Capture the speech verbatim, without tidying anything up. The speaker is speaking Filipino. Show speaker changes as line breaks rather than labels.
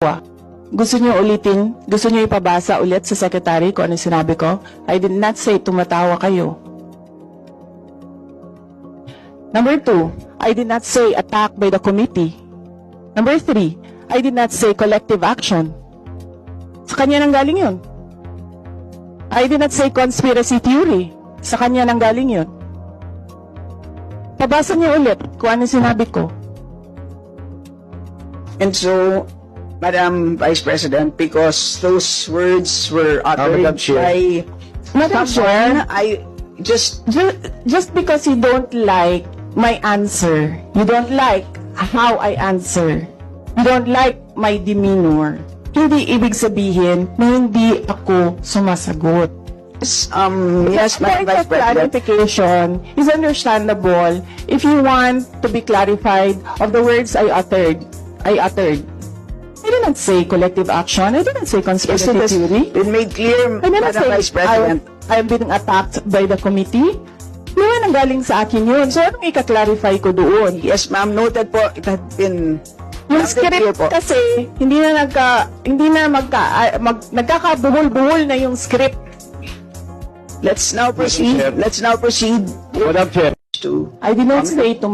Gusto niyo ulitin? Gusto niyo ipabasa ulit sa secretary kung ano sinabi ko? I did not say tumatawa kayo. Number two, I did not say attack by the committee. Number three, I did not say collective action. Sa kanya nang galing yun. I did not say conspiracy theory. Sa kanya nang galing yun. Pabasa niyo ulit kung ano sinabi ko.
And so, Madam Vice President, because those words were uttered
Madam Chair.
by
Madam
someone,
Chair.
I just,
Just, just because you don't like my answer, you don't like how I answer, you don't like my demeanor, hindi ibig sabihin na hindi ako sumasagot.
um, yes, Madam
Point
Vice
of
President.
clarification is understandable if you want to be clarified of the words I uttered. I uttered. I didn't say collective action. I didn't say
Yes,
conspiracy
it has
theory.
been made clear,
I didn't
Madam
say
Vice President.
I, I'm being attacked by the committee. Yun ang galing sa akin yun. So, anong ika-clarify ko doon?
Yes, ma'am, noted po. It had been
Yung
noted clear
script
po.
kasi, hindi na nagka, hindi na magka, ah, mag, nagkakabuhol-buhol na yung script.
Let's now proceed.
Chair.
Let's now proceed
Madam Chair.
to
I did not say to